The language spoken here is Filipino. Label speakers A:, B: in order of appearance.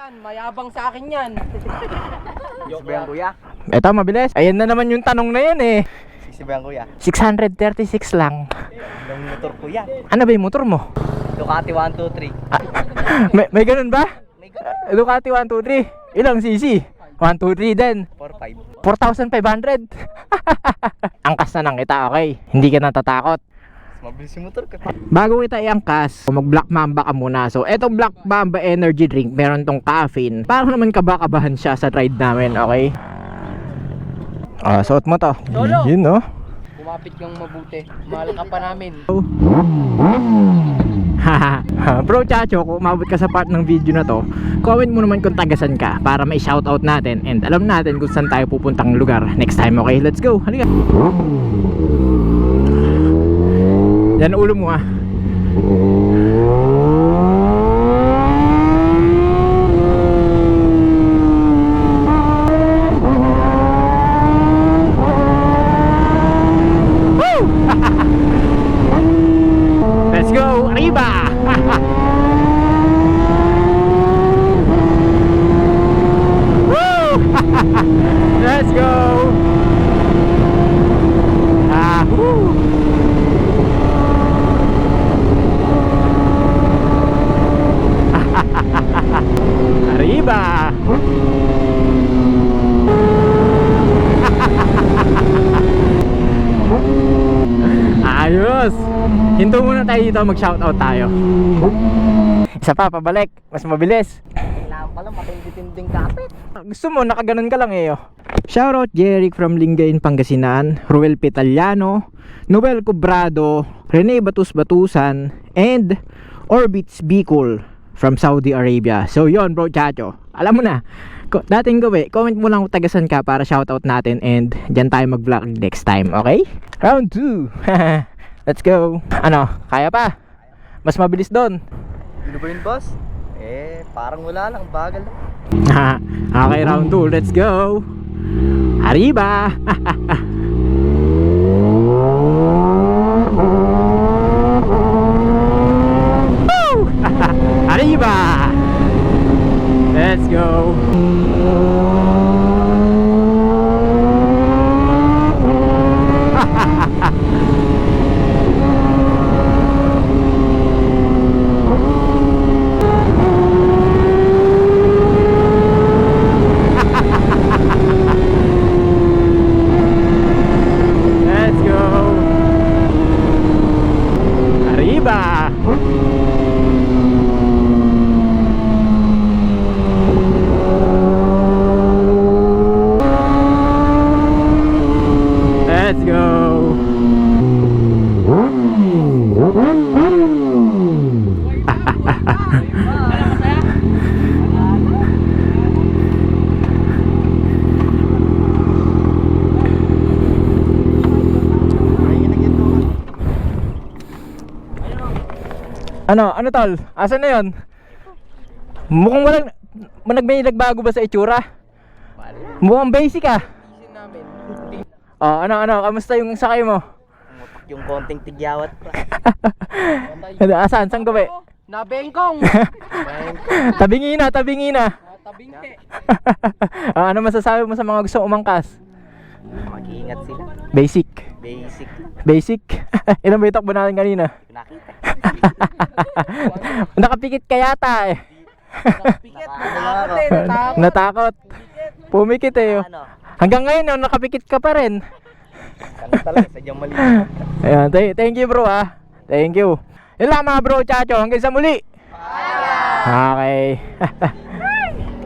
A: yan, mayabang sa akin yan.
B: Sisibayan kuya.
C: Eto, mabilis. Ayan na naman yung tanong na yan eh.
B: Sisibayan kuya.
C: 636 lang.
B: Ilang motor kuya.
C: Ano ba yung motor mo?
B: Ducati 123.
C: May ganun ba?
B: May ganun.
C: Ducati 123. Ilang cc? 123 din.
B: 4.5.
C: 4,500. Angkas na lang kita, okay? Hindi ka natatakot.
B: Mabilis yung motor ko.
C: Bago kita iangkas, mag-Black Mamba ka muna. So, etong Black Mamba energy drink, meron tong caffeine. Para naman kabakabahan siya sa ride namin, okay? Suot mo to.
A: Solo.
C: Yun, no?
A: Kumapit kang mabuti. Mahal ka pa namin.
C: Bro Chacho, kung umabot ka sa part ng video na to, comment mo naman kung tagasan ka para may shoutout natin and alam natin kung saan tayo pupuntang lugar next time, okay? Let's go! Halika! Yan ulo mo ah. Woo! Let's go! Arriba! Woo! Let's go! Woo! Arriba! Ayos! Hinto muna tayo dito, mag-shoutout tayo. Isa pa, pabalik. Mas mabilis.
B: Kailangan pala matindi-tinding kapit.
C: Gusto mo, nakaganon ka lang eh. Oh. Shoutout Jeric from Lingayen, Pangasinan, Ruel Pitaliano, Noel Cobrado, Rene Batus-Batusan, and Orbits Bicol from Saudi Arabia. So yon bro Chacho, alam mo na dating gawi, comment mo lang kung tagasan ka para shoutout natin and dyan tayo mag vlog next time, okay? Round 2. Let's go. Ano, kaya pa? Mas mabilis doon.
B: Ano ba yun boss? Parang wala lang, bagal lang.
C: Okay, round 2, let's go. Arriba. Arriba! Let's go! Let's go! Arriba! Let's go. Ano tol? Asan na yun? Mukhang walang may nagbago ba sa itsura? Mukhang basic ah. Oh, ano, kamusta yung sakay mo?
B: Umutak yung konting tigyawat pa.
C: Asan? Saan gabi?
A: Nabengkong!
C: Tabingina.
A: Tabingke.
C: Ano masasabi mo sa mga gusto umangkas?
B: Mag-iingat sila.
C: Basic.
B: Basic.
C: Ilan ba itakbo natin kanina?
B: Nakita.
C: Nakapikit ka yata eh.
A: Nakapikit. Natakot.
C: Natakot. Pumikit eh.
B: Ano?
C: Hanggang ngayon nakapikit ka pa rin.
B: Ano talaga, sadyang mali.
C: Ayan, thank you bro ah. Thank you. Yun lang mga bro Chacho, hanggang sa muli. Okay.